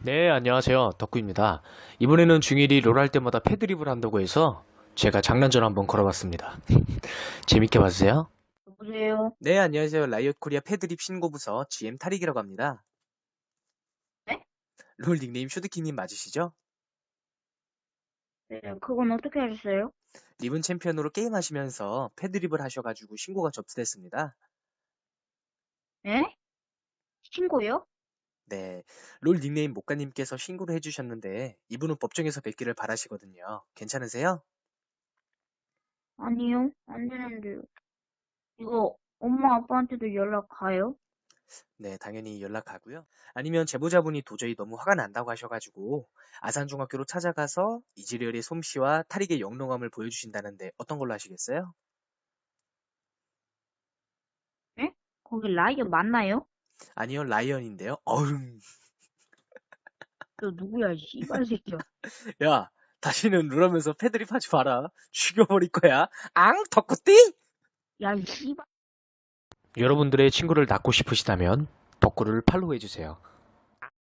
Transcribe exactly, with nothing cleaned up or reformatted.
네, 안녕하세요. 덕구입니다. 이번에는 중일이 롤 할 때마다 패드립을 한다고 해서 제가 장난전 한번 걸어봤습니다. 재밌게 봐주세요. 여보세요? 네, 안녕하세요. 라이엇 코리아 패드립 신고부서 지엠 탈익이라고 합니다. 네? 롤 닉네임 슈드키님 맞으시죠? 네, 그건 어떻게 하셨어요? 리븐 챔피언으로 게임하시면서 패드립을 하셔가지고 신고가 접수됐습니다. 네? 신고요? 네, 롤 닉네임 목가님께서 신고를 해주셨는데 이분은 법정에서 뵙기를 바라시거든요. 괜찮으세요? 아니요, 안 되는데요. 이거 엄마 아빠한테도 연락 가요? 네, 당연히 연락하고요. 아니면 제보자분이 도저히 너무 화가 난다고 하셔가지고 아산중학교로 찾아가서 이지리얼의 솜씨와 탈익의 영롱함을 보여주신다는데 어떤 걸로 하시겠어요? 네? 거기 라이언 맞나요? 아니요, 라이언인데요. 어흥. 너 누구야, 이 씨발 새끼야. 야, 다시는 룰하면서 패드립 하지 마라. 죽여버릴 거야. 앙, 덕구띠? 야, 이 씨발. 여러분들의 친구를 낳고 싶으시다면 덕구를 팔로우해주세요.